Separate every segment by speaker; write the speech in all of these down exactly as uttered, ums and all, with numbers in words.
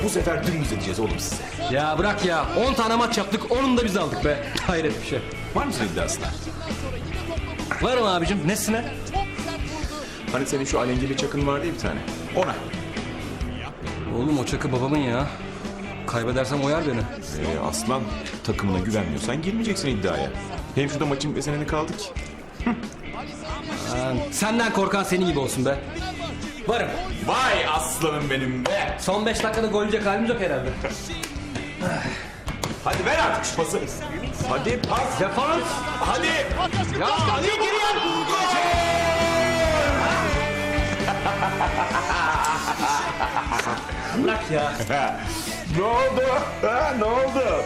Speaker 1: Bu sefer dümdüz edeceğiz oğlum size.
Speaker 2: Ya bırak ya. on tane maç yaptık. Onun da biz aldık be. Hayret bir şey.
Speaker 1: Var mısın iddiasına?
Speaker 2: Varım abicim. Nesine?
Speaker 1: Hani senin şu alengili çakın vardı ya bir tane. Ona.
Speaker 2: Oğlum o çakı babamın ya. Kaybedersem oyar beni.
Speaker 1: Ee, aslan takımına güvenmiyorsan girmeyeceksin iddiaya. Hem şurada maçın bir seneni kaldı ki.
Speaker 2: Ha, senden korkan senin gibi olsun be. Varım.
Speaker 1: Vay aslanım benim be.
Speaker 2: Son beş dakikada gol yiyecek halimiz yok herhalde.
Speaker 1: Hadi ver artık şu pası. Hadi pas.
Speaker 2: Defans.
Speaker 1: Hadi.
Speaker 2: Ya hadi giriyor. Bırak ya.
Speaker 1: Ne oldu? Ha, ne oldu?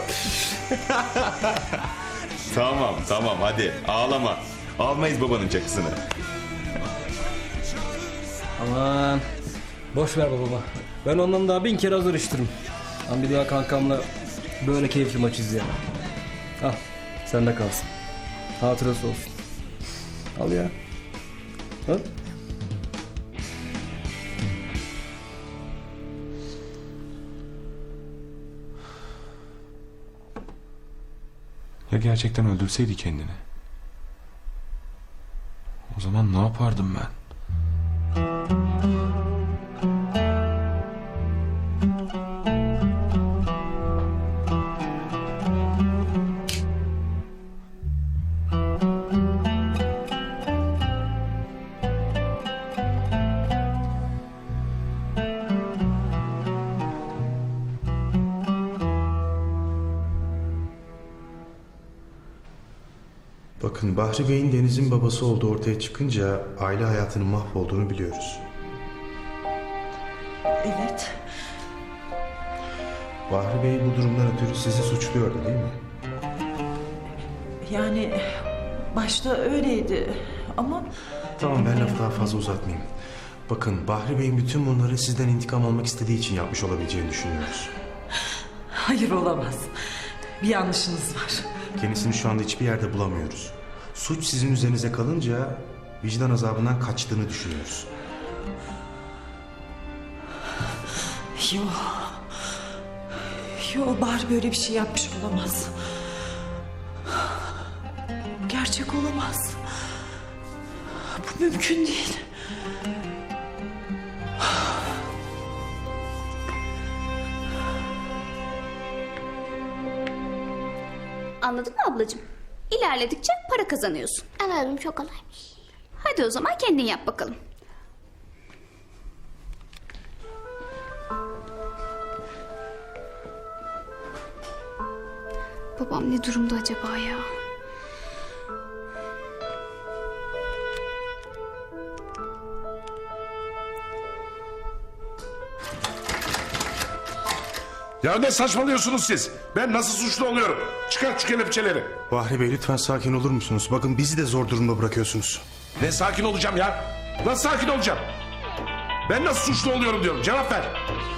Speaker 1: Tamam tamam hadi ağlama. Almayız babanın çakısını.
Speaker 2: Aman. Boş ver babama. Ben ondan daha bin kere hazır iştirim. Ben bir daha kankamla böyle keyifli maç izleyemem. Al. Sende kalsın. Hatırası olsun. Al ya. Al.
Speaker 1: Ya gerçekten öldürseydi kendini? O zaman ne yapardım ben?
Speaker 3: Bakın Bahri Bey'in Deniz'in babası olduğu ortaya çıkınca aile hayatının mahvolduğunu biliyoruz.
Speaker 4: Evet.
Speaker 3: Bahri Bey bu durumdan ötürü sizi suçluyordu değil mi?
Speaker 4: Yani başta öyleydi ama
Speaker 3: Tamam ben lafı daha fazla uzatmayayım. Bakın Bahri Bey'in bütün bunları sizden intikam almak istediği için yapmış olabileceğini düşünüyoruz.
Speaker 4: hayır olamaz. Bir yanlışınız var.
Speaker 3: Kendisini şu anda hiçbir yerde bulamıyoruz. Suç sizin üzerinize kalınca vicdan azabından kaçtığını düşünüyoruz.
Speaker 4: Yo. Yo Bahri böyle bir şey yapmış olamaz. Gerçek olamaz. Bu mümkün değil.
Speaker 5: Anladın mı ablacığım? İlerledikçe para kazanıyorsun.
Speaker 6: Anladım, çok kolaymış.
Speaker 5: Hadi o zaman kendin yap bakalım. Babam ne durumda acaba ya?
Speaker 7: Ya ne saçmalıyorsunuz siz? Ben nasıl suçlu oluyorum? Çıkar şu kelepçeleri.
Speaker 3: Bahri Bey lütfen sakin olur musunuz? Bakın bizi de zor durumda bırakıyorsunuz.
Speaker 7: Ne sakin olacağım ya? Nasıl sakin olacağım? Ben nasıl suçlu oluyorum diyorum. Cevap ver.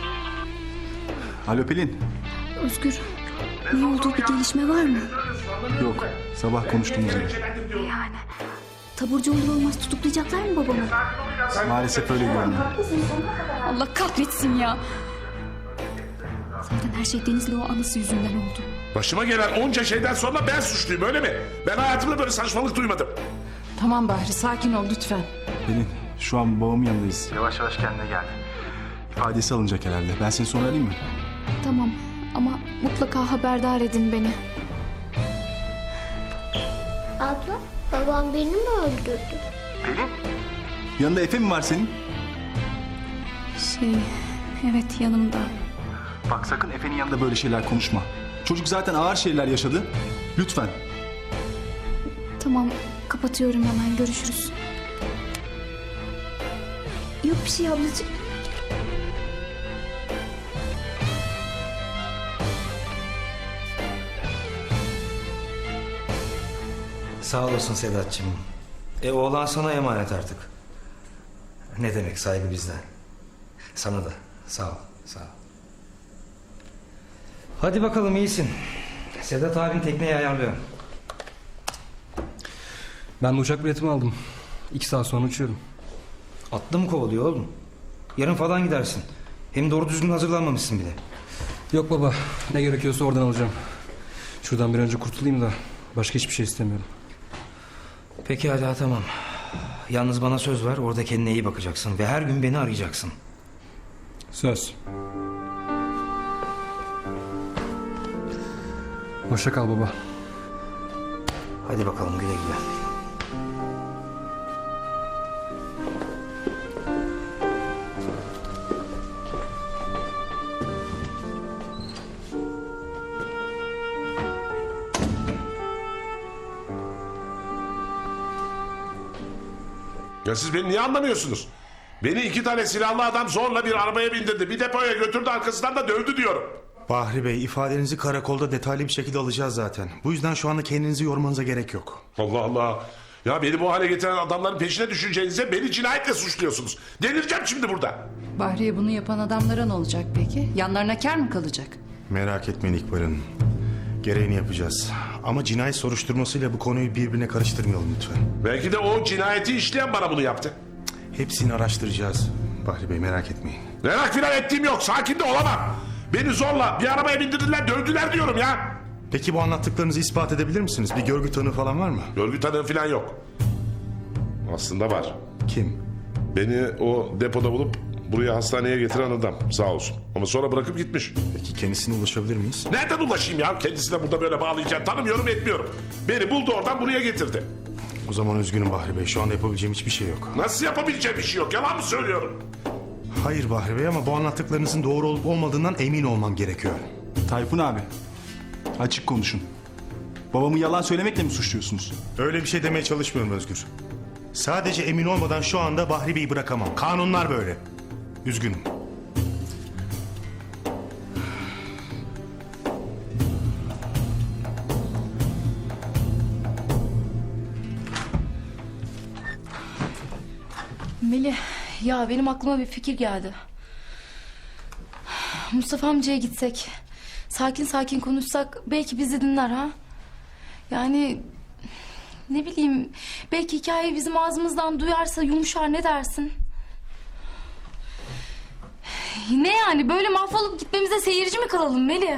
Speaker 8: Alo Pelin.
Speaker 5: Özgür, ne olduğu bir gelişme var mı?
Speaker 8: Yok. Sabah konuştuğumuz gibi.
Speaker 5: Yani taburcu olur olmaz tutuklayacaklar mı babamı?
Speaker 8: Maalesef öyle görünüyor.
Speaker 5: Allah kahretsin ya. Zaten her şey Deniz'le o anısı yüzünden oldu.
Speaker 7: Başıma gelen onca şeyden sonra ben suçluyum öyle mi? Ben hayatımda böyle saçmalık duymadım.
Speaker 4: Tamam Bahri sakin ol lütfen.
Speaker 8: Pelin şu an babamın yanındayız. Yavaş yavaş kendine gel. İfadesi alınacak herhalde. Ben seni sonra arayayım mı?
Speaker 5: Tamam ama mutlaka haberdar edin beni.
Speaker 6: Abla, babam beni mi öldürdü?
Speaker 8: Yanında Efe mi var senin?
Speaker 5: Şey, evet yanımda.
Speaker 8: Bak sakın Efe'nin yanında böyle şeyler konuşma. Çocuk zaten ağır şeyler yaşadı. Lütfen.
Speaker 5: Tamam, kapatıyorum hemen. Görüşürüz. Yok bir şey ablacığım.
Speaker 9: Sağ olasın Sedat'cığım. E oğlan sana emanet artık. Ne demek saygı bizden. Sana da sağ ol, sağ ol. Hadi bakalım iyisin. Sedat abin tekneyi ayarlıyor.
Speaker 2: Ben de uçak biletimi aldım. İki saat sonra uçuyorum.
Speaker 9: Atlı mı kovalıyor oğlum? Yarın falan gidersin. Hem doğru düzgün hazırlanmamışsın bile.
Speaker 2: Yok baba, ne gerekiyorsa oradan alacağım. Şuradan bir önce kurtulayım da başka hiçbir şey istemiyorum.
Speaker 9: Peki hadi ha, tamam. Yalnız bana söz ver, orada kendine iyi bakacaksın ve her gün beni arayacaksın.
Speaker 2: Söz. Hoşça kal baba.
Speaker 9: Hadi bakalım, güle güle.
Speaker 7: Ya siz beni niye anlamıyorsunuz? Beni iki tane silahlı adam zorla bir arabaya bindirdi. Bir depoya götürdü, arkasından da dövdü diyorum.
Speaker 3: Bahri Bey, ifadenizi karakolda detaylı bir şekilde alacağız zaten. Bu yüzden şu anda kendinizi yormanıza gerek yok.
Speaker 7: Allah Allah. Ya beni bu hale getiren adamların peşine düşeceğinize beni cinayetle suçluyorsunuz. Delireceğim şimdi burada.
Speaker 4: Bahriye bunu yapan adamlara ne olacak peki? Yanlarına kar mı kalacak?
Speaker 3: Merak etmeyin İkbal Hanım. Gereğini yapacağız. Ama cinayet soruşturmasıyla bu konuyu birbirine karıştırmayalım lütfen.
Speaker 7: Belki de o cinayeti işleyen bana bunu yaptı.
Speaker 3: Hepsini araştıracağız. Bahri Bey, merak etmeyin.
Speaker 7: Merak filan ettiğim yok. Sakin de olamam. Beni zorla bir arabaya bindirdiler, dövdüler diyorum ya.
Speaker 3: Peki bu anlattıklarınızı ispat edebilir misiniz? Bir görgü tanığı falan var mı?
Speaker 7: Görgü tanığı filan yok. Aslında var.
Speaker 3: Kim?
Speaker 7: Beni o depoda bulup buraya hastaneye getiren adam, sağ olsun. Ama sonra bırakıp gitmiş.
Speaker 3: Peki kendisine ulaşabilir miyiz?
Speaker 7: Nereden ulaşayım ya? Kendisine burada böyle bağlayacağım. Tanımıyorum, etmiyorum. Beni buldu, oradan buraya getirdi.
Speaker 3: O zaman üzgünüm Bahri Bey. Şu anda yapabileceğim hiçbir şey yok.
Speaker 7: Nasıl yapabileceğim bir şey yok? Yalan mı söylüyorum?
Speaker 3: Hayır Bahri Bey, ama bu anlattıklarınızın doğru olup olmadığından emin olmam gerekiyor.
Speaker 8: Tayfun abi, açık konuşun. Babamı yalan söylemekle mi suçluyorsunuz?
Speaker 3: Öyle bir şey demeye çalışmıyorum Özgür. Sadece emin olmadan şu anda Bahri Bey'i bırakamam. Kanunlar böyle. Üzgünüm.
Speaker 10: Melih, ya benim aklıma bir fikir geldi. Mustafa amcaya gitsek, sakin sakin konuşsak belki bizi dinler ha? Yani ne bileyim, belki hikayeyi bizim ağzımızdan duyarsa yumuşar, ne dersin? Ne yani, böyle mahvolup gitmemize seyirci mi kalalım Melih?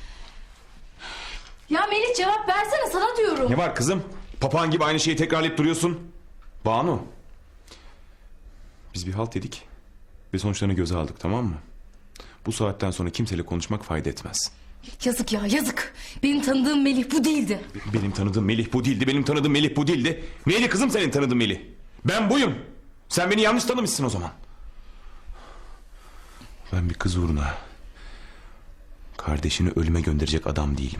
Speaker 10: Ya Melih, cevap versene, sana diyorum.
Speaker 1: Ne var kızım? Papağan gibi aynı şeyi tekrarlayıp duruyorsun. Banu. Biz bir halt dedik ve sonuçlarını göze aldık, tamam mı? Bu saatten sonra kimseyle konuşmak fayda etmez.
Speaker 10: Yazık ya, yazık. Benim tanıdığım Melih bu değildi.
Speaker 1: Benim tanıdığım Melih bu değildi. Benim tanıdığım Melih bu değildi. Neydi kızım senin tanıdığın Melih? Ben buyum. Sen beni yanlış tanımışsın o zaman. Ben bir kız uğruna kardeşini ölüme gönderecek adam değilim.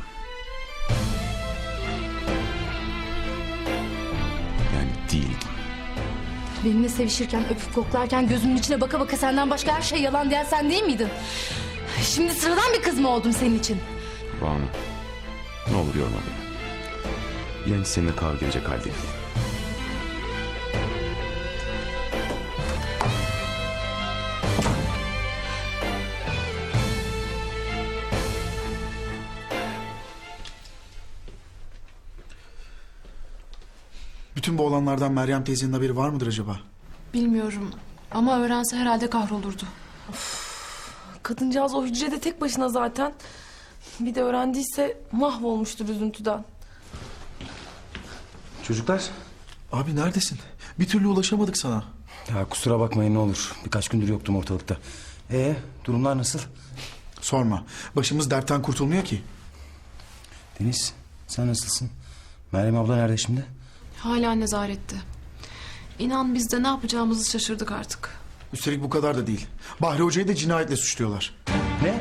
Speaker 1: Yani değildim.
Speaker 10: Benimle sevişirken, öpüp koklarken, gözümün içine baka baka senden başka her şey yalan diyen sen değil miydin? Şimdi sıradan bir kız mı oldum senin için?
Speaker 1: Banu, ne olur yorma beni. Yani seninle kavga edecek halde değilim.
Speaker 11: Bütün bu olanlardan Meryem teyzenin haberi var mıdır acaba?
Speaker 12: Bilmiyorum ama öğrense herhalde kahrolurdu. Kadıncağız o hücrede tek başına zaten. Bir de öğrendiyse mahvolmuştur üzüntüden.
Speaker 8: Çocuklar.
Speaker 11: Abi neredesin? Bir türlü ulaşamadık sana.
Speaker 9: Ya kusura bakmayın ne olur. Birkaç gündür yoktum ortalıkta. Ee, durumlar nasıl?
Speaker 11: Sorma. Başımız dertten kurtulmuyor ki.
Speaker 9: Deniz, sen nasılsın? Meryem abla nerede şimdi?
Speaker 12: Hala nezarette. İnan biz de ne yapacağımızı şaşırdık artık.
Speaker 11: Üstelik bu kadar da değil. Bahri Hoca'yı da cinayetle suçluyorlar.
Speaker 9: Ne?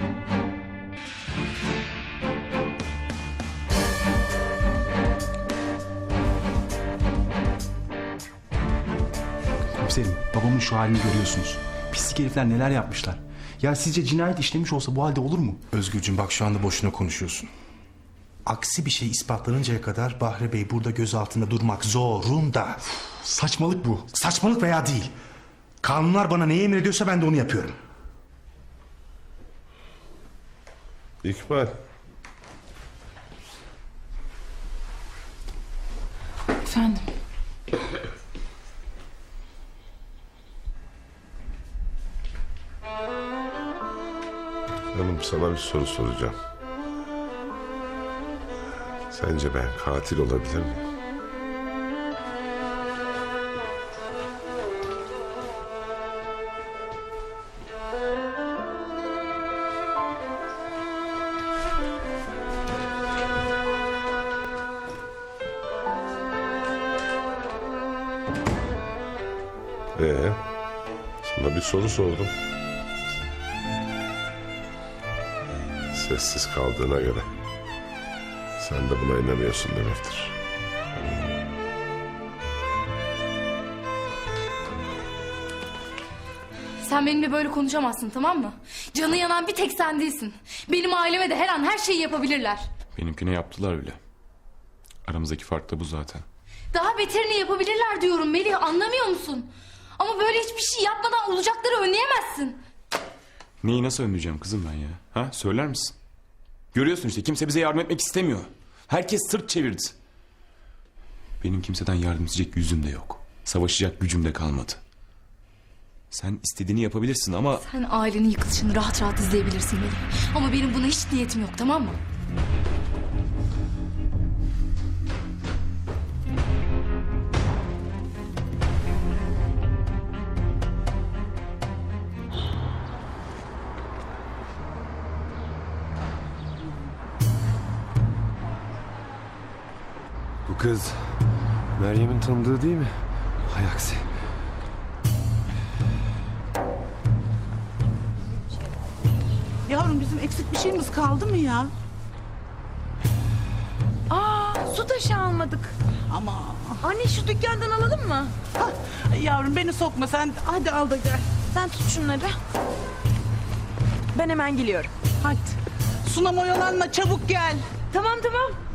Speaker 8: Komiserim, babamın şu halini görüyorsunuz. Pislik herifler neler yapmışlar. Ya sizce cinayet işlemiş olsa bu halde olur mu?
Speaker 3: Özgürcüğüm, bak şu anda boşuna konuşuyorsun. Aksi bir şey ispatlanıncaya kadar Bahri Bey burada gözaltında durmak zorunda.
Speaker 8: Saçmalık bu.
Speaker 3: Saçmalık veya değil. Kanunlar bana neyi emrediyorsa ben de onu yapıyorum.
Speaker 7: İkbal.
Speaker 12: Efendim?
Speaker 7: Hanım, sana bir soru soracağım. Sence ben katil olabilir miyim? Ee, sana bir soru sordum. Sessiz kaldığına göre sen de buna inanıyorsun demektir.
Speaker 10: Sen benimle böyle konuşamazsın, tamam mı? Canı yanan bir tek sen değilsin. Benim aileme de her an her şeyi yapabilirler.
Speaker 1: Benimkine yaptılar bile. Aramızdaki fark da bu zaten.
Speaker 10: Daha beterini yapabilirler diyorum Melih, anlamıyor musun? Ama böyle hiçbir şey yapmadan olacakları önleyemezsin.
Speaker 1: Neyi nasıl önleyeceğim kızım ben ya? Ha, söyler misin? Görüyorsun işte, kimse bize yardım etmek istemiyor. Herkes sırt çevirdi. Benim kimseden yardım edecek yüzüm de yok. Savaşacak gücüm de kalmadı. Sen istediğini yapabilirsin ama...
Speaker 10: Sen ailenin yıkılışını rahat rahat izleyebilirsin Melih. Ama benim buna hiç niyetim yok, tamam mı?
Speaker 13: Bu kız Meryem'in tanıdığı değil mi? Hay aksi.
Speaker 14: Yavrum bizim eksik bir şeyimiz kaldı mı ya?
Speaker 12: Aa, su taşı almadık.
Speaker 14: Ama
Speaker 12: Anne şu dükkandan alalım mı?
Speaker 14: ah, yavrum beni sokma sen hadi al da gel.
Speaker 12: Sen tut şunları. Ben hemen geliyorum.
Speaker 14: Hadi. Sunam oyalanma çabuk gel.
Speaker 12: Tamam tamam.